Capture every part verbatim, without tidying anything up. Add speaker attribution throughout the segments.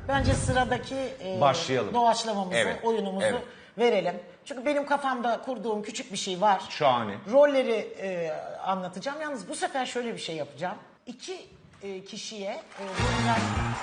Speaker 1: Bence sıradaki e,
Speaker 2: Başlayalım.
Speaker 1: doğaçlamamızı,
Speaker 2: Evet,
Speaker 1: oyunumuzu
Speaker 2: evet.
Speaker 1: verelim. Çünkü benim kafamda kurduğum küçük bir şey var.
Speaker 2: Şahane.
Speaker 1: Rolleri e, anlatacağım. Yalnız bu sefer şöyle bir şey yapacağım. İki e, kişiye e, roller...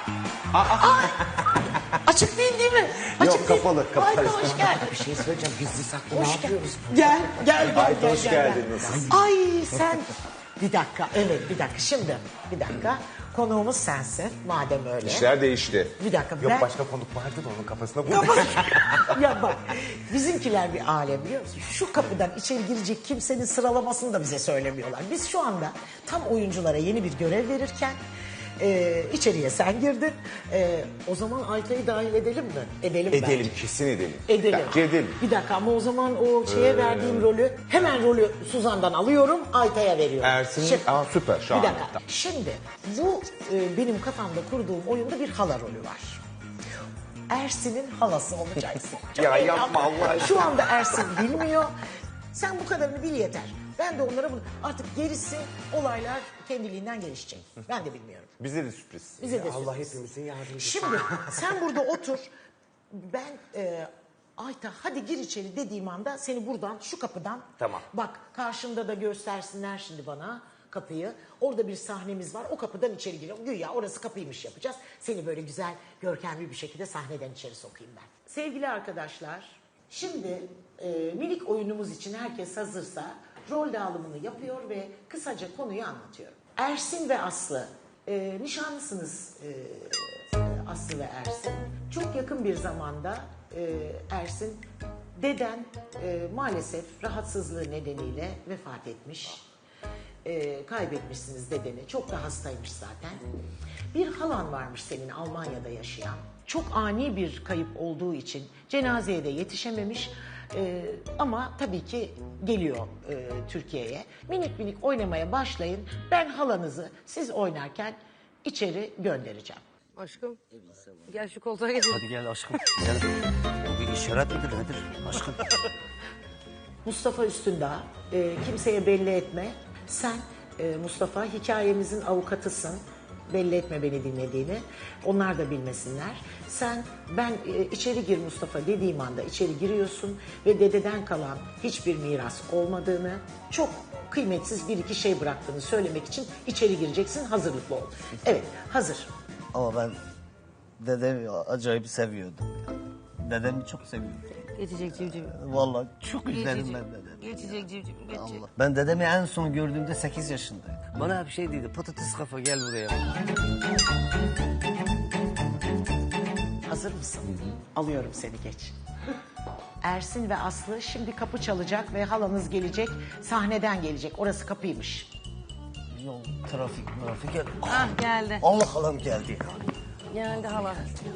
Speaker 1: Ay! Açık değil değil mi? Açık
Speaker 3: Yok,
Speaker 1: değil.
Speaker 3: kapalı, kapalı.
Speaker 1: Ayta hoş geldin.
Speaker 3: Bir şey söyleyeceğim. Gizli saklı ne
Speaker 1: Hoş gel-
Speaker 3: yapıyoruz?
Speaker 1: Gel, gel, gel.
Speaker 3: Ayta
Speaker 1: gel,
Speaker 3: hoş
Speaker 1: gel, gel.
Speaker 3: geldiniz.
Speaker 1: Ay sen... Bir dakika, evet bir dakika. Şimdi bir dakika. Konuğumuz sensin madem öyle.
Speaker 2: İşler değişti.
Speaker 1: Bir dakika.
Speaker 3: Yok
Speaker 1: ben...
Speaker 3: başka konuk vardı da onun kafasına vurdu.
Speaker 1: Ya bak bizimkiler bir alem biliyor musun? Şu kapıdan içeri girecek kimsenin sıralamasını da bize söylemiyorlar. Biz şu anda tam oyunculara yeni bir görev verirken e, içeriye sen girdin. E, o zaman Ayta'yı dahil edelim mi? Edelim,
Speaker 2: Edelim,
Speaker 1: bence.
Speaker 2: kesin edelim.
Speaker 1: Edelim.
Speaker 2: Bence edelim.
Speaker 1: Bir dakika ama o zaman o şeye verdiğim rolü hemen rolü Suzan'dan alıyorum Ayta'ya veriyorum.
Speaker 2: Ersin'in-
Speaker 1: Şimdi-
Speaker 2: Aa, süper, şahane.
Speaker 1: Bir dakika. Şimdi bu e, benim kafamda kurduğum oyunda bir hala rolü var. Ersin'in halası olacaksın. Çok
Speaker 2: Ya
Speaker 1: heyecanlı.
Speaker 2: yapma Allah aşkına.
Speaker 1: Şu anda Ersin bilmiyor. Sen bu kadarını bil yeter. Ben de onlara bunu... Artık gerisi olaylar kendiliğinden gelişecek. Ben de bilmiyorum.
Speaker 2: Bize de sürpriz.
Speaker 1: Bize de
Speaker 3: Allah
Speaker 1: sürpriz.
Speaker 3: hepimizin yardımcısı.
Speaker 1: Şimdi sen burada otur. Ben e, Ayta hadi gir içeri dediğim anda seni buradan şu kapıdan.
Speaker 3: Tamam.
Speaker 1: Bak karşında da göstersinler şimdi bana kapıyı. Orada bir sahnemiz var. O kapıdan içeri giriyorum. Güya orası kapıymış yapacağız. Seni böyle güzel görkemli bir şekilde sahneden içeri sokayım ben. Sevgili arkadaşlar, şimdi e, minik oyunumuz için herkes hazırsa rol dağılımını yapıyor ve kısaca konuyu anlatıyorum. Ersin ve Aslı, e, nişanlısınız e, Aslı ve Ersin. Çok yakın bir zamanda e, Ersin, deden e, maalesef rahatsızlığı nedeniyle vefat etmiş. E, kaybetmişsiniz dedeni. Çok da hastaymış zaten. Bir halan varmış senin Almanya'da yaşayan. Çok ani bir kayıp olduğu için cenazeye de yetişememiş. E, ama tabii ki geliyor e, Türkiye'ye. Minik minik oynamaya başlayın. Ben halanızı siz oynarken içeri göndereceğim.
Speaker 4: Aşkım. Gel şu koltuğa geçelim.
Speaker 5: Hadi gel aşkım. Gel. O bir işaret midir nedir aşkım?
Speaker 1: Mustafa Üstündağ, e, kimseye belli etme. Sen e, Mustafa hikayemizin avukatısın. Belli etme beni dinlediğini. Onlar da bilmesinler. Sen ben e, içeri gir Mustafa dediğim anda içeri giriyorsun ve dededen kalan hiçbir miras olmadığını, çok kıymetsiz bir iki şey bıraktığını söylemek için içeri gireceksin. Hazırlıklı ol. Evet, hazır.
Speaker 5: Ama ben dedemi acayip seviyordum ya. Dedemi çok seviyordum.
Speaker 4: Geçecek civciv.
Speaker 5: Vallahi çok üzledim
Speaker 4: Geçecek.
Speaker 5: ben dedemi.
Speaker 4: Geçecek civciv. Geçecek.
Speaker 5: Allah. Ben dedemi en son gördüğümde sekiz yaşındaydım. Bana bir şey dedi. Patates kafa gel buraya.
Speaker 1: Hazır mısın? Alıyorum seni geç. Ersin ve Aslı şimdi kapı çalacak ve halanız gelecek. Sahneden gelecek. Orası kapıymış.
Speaker 5: Yol, trafik, trafik gel.
Speaker 4: Ah geldi.
Speaker 5: Allah halam geldi.
Speaker 4: Geldi hala.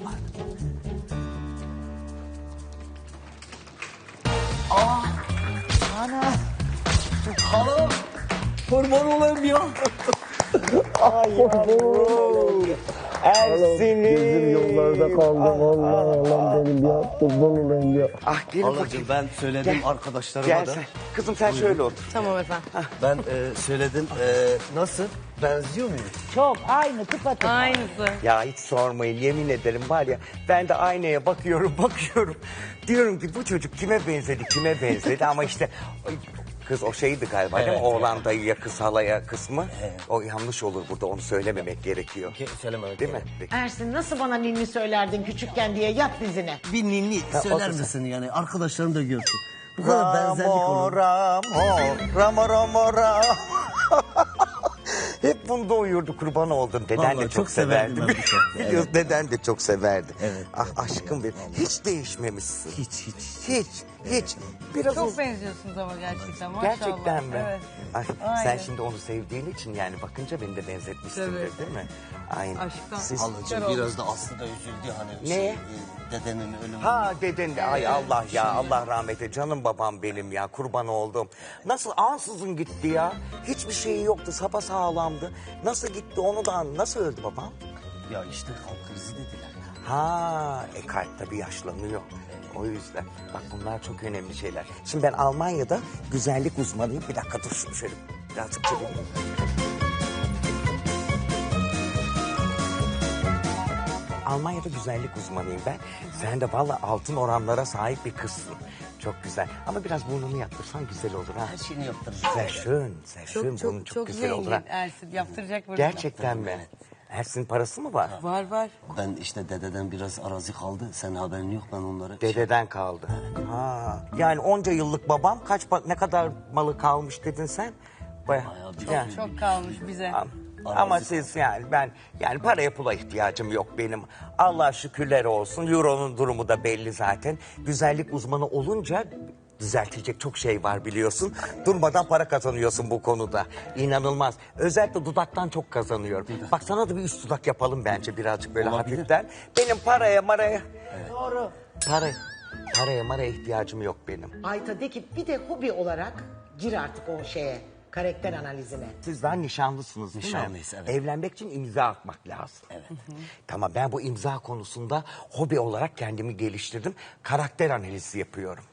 Speaker 5: Ana. Halam. Kurban olayım ya.
Speaker 3: Ersin'im.
Speaker 6: Gözüm yollarda kaldı. Allah Allah benim ya. Kurban olayım ya.
Speaker 3: Ah gelin
Speaker 5: Halacığım
Speaker 3: bakayım.
Speaker 5: ben söyledim
Speaker 3: Gel.
Speaker 5: arkadaşlarıma
Speaker 3: Gel
Speaker 5: da.
Speaker 3: sen. Kızım sen şöyle otur.
Speaker 4: Tamam efendim.
Speaker 5: Ben e, söyledim. E, nasıl? Benziyor muyum?
Speaker 1: Çok aynı tıpatıp.
Speaker 4: Aynısı.
Speaker 3: Ya hiç sormayın yemin ederim var ya ben de aynaya bakıyorum bakıyorum. Diyorum ki bu çocuk kime benzedi kime benzedi ama işte kız o şeydi galiba değil mi?
Speaker 5: Evet.
Speaker 3: Oğlan dayıya kız halaya kısmı. O yanlış olur burada onu söylememek gerekiyor.
Speaker 5: Ke- söylememek
Speaker 3: Değil mi?
Speaker 5: gerek.
Speaker 1: Ersin nasıl bana ninni söylerdin küçükken diye yat dizine.
Speaker 5: Bir ninni söyler
Speaker 3: o da-
Speaker 5: misin yani? Arkadaşlarım da görsün. Bu kadar benzerlik
Speaker 3: Ramo
Speaker 5: olur.
Speaker 3: ramo ramo ramo ramo. Hep bunda uyurdu kurban oldum. Deden
Speaker 5: Vallahi
Speaker 3: de çok,
Speaker 5: çok severdim
Speaker 3: severdi.
Speaker 5: ben bu şarkıyı.
Speaker 3: Biliyorsun deden de çok severdi.
Speaker 5: Evet.
Speaker 3: Ah aşkım benim. Hiç değişmemişsin.
Speaker 5: Hiç hiç.
Speaker 3: Hiç, hiç. Biraz
Speaker 4: Çok
Speaker 3: uz-
Speaker 4: benziyorsunuz ama gerçekten maşallah.
Speaker 3: Gerçekten mi?
Speaker 4: Evet.
Speaker 3: Ay, sen
Speaker 4: Aynen.
Speaker 3: şimdi onu sevdiğin için yani bakınca beni de benzetmişsindir
Speaker 4: Tabii.
Speaker 3: değil mi? Aynen.
Speaker 4: Aşktan.
Speaker 3: Siz...
Speaker 5: Halacığım biraz da Aslı da üzüldü hani.
Speaker 3: Ne?
Speaker 5: Şey, e, dedenin ölümü.
Speaker 3: Ha deden de ay Allah ya Allah rahmet eylesin canım babam benim ya kurban oldum. Nasıl ansızın gitti ya? Hiçbir şeyi yoktu sapasağlamdı. Nasıl gitti onu da an- nasıl öldü babam?
Speaker 5: Ya işte kalp krizi dediler ya.
Speaker 3: Ha e kalp tabii yaşlanıyor. O yüzden bak bunlar çok önemli şeyler. Şimdi ben Almanya'da güzellik uzmanıyım. Bir dakika dur şunu şöyle birazcık çevireyim. Almanya'da güzellik uzmanıyım ben. Sen de valla altın oranlara sahip bir kızsın. Çok güzel. Ama biraz burnunu yaptırsan güzel olur ha.
Speaker 5: Her şeyini yaptırırım.
Speaker 3: Sehr schön, sehr schön.
Speaker 4: Çok
Speaker 3: Burnun
Speaker 4: çok
Speaker 3: çok,
Speaker 4: çok
Speaker 3: güzel olur
Speaker 4: zengin
Speaker 3: ha.
Speaker 4: Ersin. Yaptıracak bunu.
Speaker 3: Gerçekten mi? Ersin parası mı var?
Speaker 4: Var var.
Speaker 5: Ben işte dededen biraz arazi kaldı. Senin haberin yok, ben onları...
Speaker 3: Dededen kaldı. Ha. Yani onca yıllık babam kaç pa- ne kadar malı kalmış dedin sen? Baya,
Speaker 5: Bayağı bir-
Speaker 3: yani.
Speaker 4: Çok kalmış bize.
Speaker 3: Ama siz yani ben yani paraya pula ihtiyacım yok benim. Allah şükürler olsun. Euro'nun durumu da belli zaten. Güzellik uzmanı olunca düzeltilecek çok şey var biliyorsun. Durmadan para kazanıyorsun bu konuda. İnanılmaz. Özellikle dudaktan çok kazanıyorum. Bak sana da bir üst dudak yapalım bence birazcık böyle
Speaker 5: Olabilir.
Speaker 3: hafiften. Benim paraya maraya... Doğru. Para, paraya maraya ihtiyacım yok benim.
Speaker 1: Ayta de ki bir de hobi olarak gir artık o şeye, karakter analizine.
Speaker 3: Siz daha nişanlısınız değil mi?
Speaker 5: Nişanlıyız, evet.
Speaker 3: Evlenmek için imza atmak lazım.
Speaker 5: Evet.
Speaker 3: Tamam, ben bu imza konusunda hobi olarak kendimi geliştirdim. Karakter analizi yapıyorum.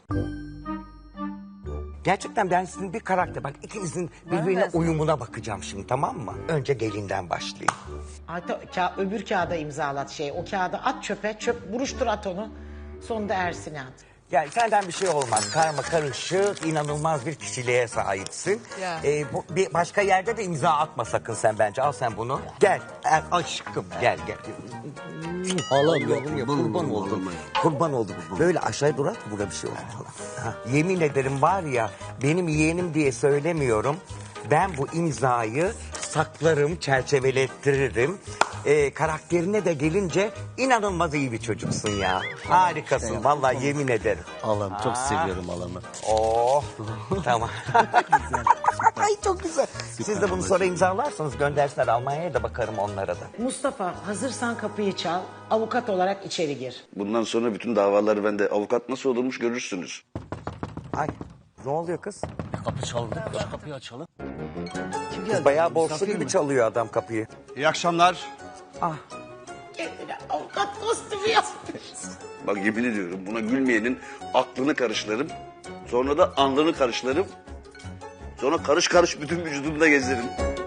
Speaker 3: Gerçekten ben sizin bir karakter, bak ikinizin birbirine
Speaker 4: mı?
Speaker 3: uyumuna bakacağım şimdi, tamam mı? Önce gelinden başlayayım.
Speaker 1: Ayta ka- öbür kağıda imzalat şey. O kağıdı at çöpe, çöp buruştur at onu. Sonunda Ersin'e at.
Speaker 3: Yani senden bir şey olmaz. Karma karışık, inanılmaz bir kişiliğe sahipsin.
Speaker 4: Ya.
Speaker 3: Ee, bu, bir başka yerde de imza atma sakın sen bence. Al sen bunu. Gel. Er, aşkım gel gel.
Speaker 5: Halam ya,
Speaker 3: Yavrum ya,
Speaker 5: kurban
Speaker 3: kurban
Speaker 5: oldum
Speaker 3: oldum.
Speaker 5: ya.
Speaker 3: Kurban oldum. Böyle aşağıya durar mı burada bir şey olur falan. Ha, yemin ederim var ya, benim yeğenim diye söylemiyorum. Ben bu imzayı saklarım, çerçevelettiririm. Ee, karakterine de gelince inanılmaz iyi bir çocuksun ya. Harikasın vallahi, yemin ederim.
Speaker 5: Halam, çok seviyorum halamı.
Speaker 3: Oh tamam. Ay çok güzel. Siz de bunu sonra imzalarsanız göndersinler, Almanya'ya da bakarım onlara da.
Speaker 1: Mustafa hazırsan kapıyı çal. Avukat olarak içeri gir.
Speaker 2: Bundan sonra bütün davaları bende avukat nasıl olurmuş görürsünüz.
Speaker 3: Ay ne oluyor kız?
Speaker 5: Kapı çaldı. Şu kapıyı açalım.
Speaker 3: Kız bayağı borçlu gibi çalıyor adam kapıyı.
Speaker 7: İyi akşamlar.
Speaker 1: Kendine avukat kostümü yapmış.
Speaker 2: Bak yemin ediyorum, buna gülmeyenin aklını karıştırırım. Sonra da alnını karıştırırım. Sonra karış karış bütün vücudunu da gezerim.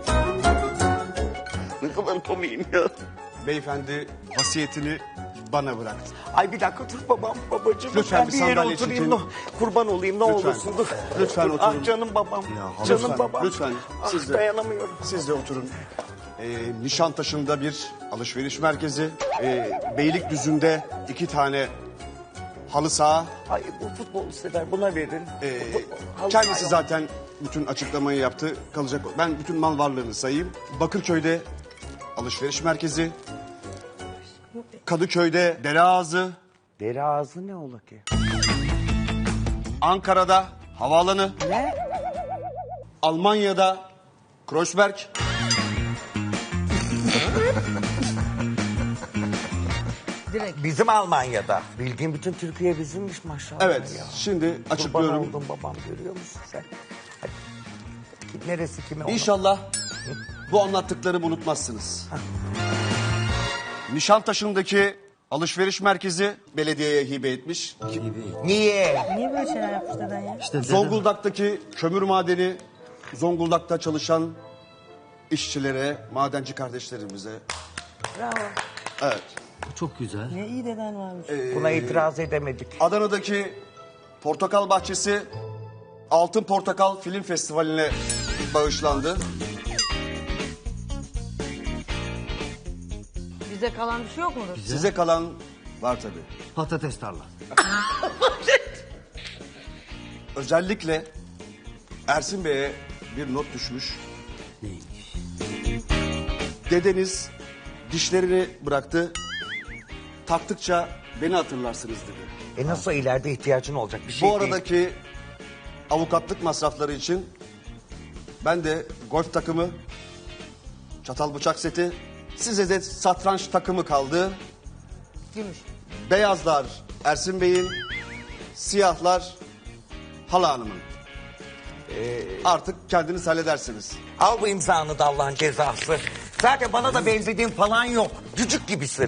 Speaker 2: Ne kadar komiyim ya.
Speaker 7: Beyefendi vasiyetini bana bıraktı.
Speaker 3: Ay bir dakika dur babam, babacığım.
Speaker 7: Lütfen
Speaker 3: Ben
Speaker 7: bir
Speaker 3: bir yere
Speaker 7: sandalye
Speaker 3: oturayım.
Speaker 7: çekin.
Speaker 3: Ne- Kurban olayım ne
Speaker 7: Lütfen.
Speaker 3: olursun dur.
Speaker 7: Lütfen
Speaker 3: Dur.
Speaker 7: oturun.
Speaker 3: Ah canım babam.
Speaker 7: Ya,
Speaker 3: canım
Speaker 7: lütfen,
Speaker 3: babam.
Speaker 7: lütfen.
Speaker 3: Ah,
Speaker 7: Siz de-
Speaker 3: dayanamıyorum.
Speaker 7: Siz de oturun. Ee, Nişantaşı'nda bir alışveriş merkezi. Ee, Beylikdüzü'nde iki tane halı saha.
Speaker 3: Ay bu futbolu sever, buna verin.
Speaker 7: Ee,
Speaker 3: Halı
Speaker 7: kendisi
Speaker 3: saha-
Speaker 7: zaten bütün açıklamayı yaptı. Kalacak. Ben bütün mal varlığını sayayım. Bakırköy'de alışveriş merkezi. Kadıköy'de dere ağzı.
Speaker 3: Deri ağzı ne ola ki?
Speaker 7: Ankara'da havaalanı.
Speaker 3: Ne?
Speaker 7: Almanya'da Kreuzberg.
Speaker 3: Bizim Almanya'da. Bildiğin bütün Türkiye bizimmiş maşallah
Speaker 7: Evet,
Speaker 3: ya.
Speaker 7: şimdi
Speaker 3: Kurban
Speaker 7: açıklıyorum.
Speaker 3: oldum babam, görüyor musun sen? Hadi. Neresi kime?
Speaker 7: İnşallah bu anlattıklarımı unutmazsınız. Nişantaşı'ndaki alışveriş merkezi belediyeye hibe etmiş.
Speaker 3: Niye?
Speaker 4: Niye böyle şeyler yapmış deden ya?
Speaker 5: İşte dedem-
Speaker 7: Zonguldak'taki kömür madeni, Zonguldak'ta çalışan işçilere, madenci kardeşlerimize.
Speaker 4: Bravo.
Speaker 7: Evet.
Speaker 5: Çok güzel.
Speaker 4: Ne iyi deden varmış.
Speaker 3: Buna itiraz edemedik.
Speaker 7: Adana'daki Portakal Bahçesi Altın Portakal Film Festivali'ne bağışlandı.
Speaker 4: Bize kalan bir şey yok mudur?
Speaker 7: Size kalan var tabii.
Speaker 5: Patates tarla.
Speaker 7: Özellikle Ersin Bey'e bir not düşmüş.
Speaker 5: Neymiş?
Speaker 7: Dedeniz dişlerini bıraktı. Taktıkça beni hatırlarsınız dedi.
Speaker 3: E nasıl ileride ihtiyacın olacak bir şey
Speaker 7: Bu
Speaker 3: değil.
Speaker 7: aradaki avukatlık masrafları için ben de golf takımı, çatal bıçak seti, size de satranç takımı kaldı.
Speaker 4: Gümüş.
Speaker 7: Beyazlar Ersin Bey'in, siyahlar Hala Hanım'ın. Ee, artık kendiniz halledersiniz.
Speaker 3: Al bu imzanı da Allah'ın cezası. Zaten bana da benzediğin falan yok. Cücük gibisin.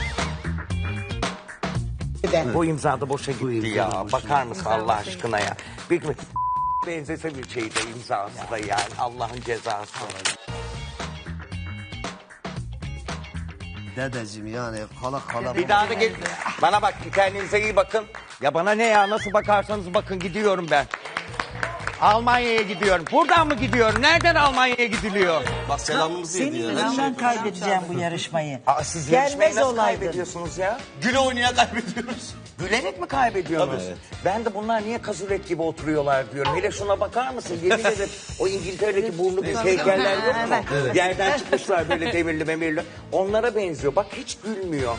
Speaker 3: Bu imza da boşa gitti
Speaker 5: imza da
Speaker 3: ya.
Speaker 5: boşa
Speaker 3: Bakar mısın
Speaker 4: İmza
Speaker 3: Allah
Speaker 4: boşa
Speaker 3: aşkına ya. Bir benzese bir şey de imzası da yani. Allah'ın cezası.
Speaker 5: Dedeciğim yani kala kala.
Speaker 3: Bir daha da gel. Bana bak, kendinize iyi bakın. Ya bana ne ya, nasıl bakarsanız bakın, gidiyorum ben. Almanya'ya gidiyorum. Buradan mı gidiyorum? Nereden Almanya'ya gidiliyor?
Speaker 7: Bak selamımızı
Speaker 8: Senin
Speaker 7: yedi ya. Her şey.
Speaker 8: yüzünden kaybedeceğim bu yarışmayı.
Speaker 3: Aa, siz yarışmayı
Speaker 8: Gelmez
Speaker 3: nasıl
Speaker 8: olaydın.
Speaker 3: kaybediyorsunuz ya?
Speaker 7: Güle oynaya kaybediyoruz.
Speaker 3: Gülerek mi kaybediyorsunuz? Ben de bunlar niye kazurek gibi oturuyorlar diyorum. Hele şuna bakar mısın? Yemin ederim o İngiltere'deki burnu büyük heykeller yok mu? Yerden çıkmışlar böyle demirli memirli. Onlara benziyor. Bak hiç gülmüyor.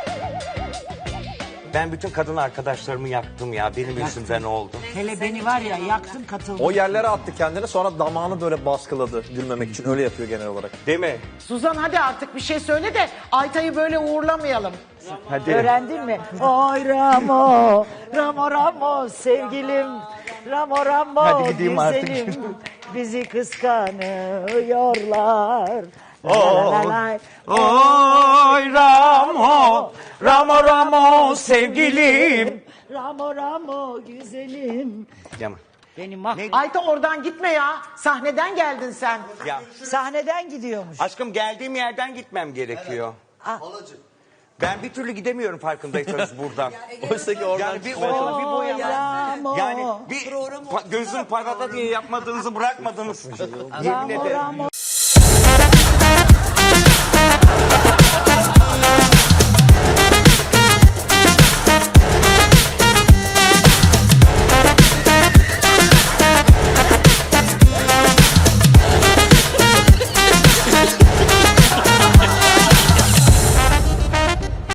Speaker 3: Ben bütün kadın arkadaşlarımı yaktım ya. Benim yüzümden oldu.
Speaker 8: Hele beni var ya yaktın katıldım.
Speaker 9: O yerlere attı kendini, sonra damağını böyle baskıladı gülmemek için. Öyle yapıyor genel olarak.
Speaker 3: Değil mi?
Speaker 1: Suzan hadi artık bir şey söyle de Aytay'ı böyle uğurlamayalım.
Speaker 3: Hadi.
Speaker 8: Öğrendin mi? Oy Ramo, Ramo Ramo sevgilim, Ramo Ramo
Speaker 3: Hadi gideyim artık.
Speaker 8: güzelim, bizi kıskanıyorlar. La la la la.
Speaker 3: Oy Ramo, Ramo Ramo sevgilim.
Speaker 8: Ramo Ramo güzelim.
Speaker 3: Yaman.
Speaker 8: Beni mahvet.
Speaker 1: Ayta oradan gitme ya. Sahneden geldin sen.
Speaker 3: Ya
Speaker 8: Sahneden gidiyormuş.
Speaker 3: aşkım, geldiğim yerden gitmem gerekiyor. Ben bir türlü gidemiyorum farkındaysanız buradan.
Speaker 9: Oysa ki oradan
Speaker 3: Yani bir
Speaker 9: çıkmaya
Speaker 3: ona bir bu
Speaker 8: Oy
Speaker 3: yana.
Speaker 8: Ramo,
Speaker 3: Yani bir pa- gözüm parada diye yapmadığınızı bırakmadınız. Yemin
Speaker 8: Ramo
Speaker 3: ederim.
Speaker 8: Ramo.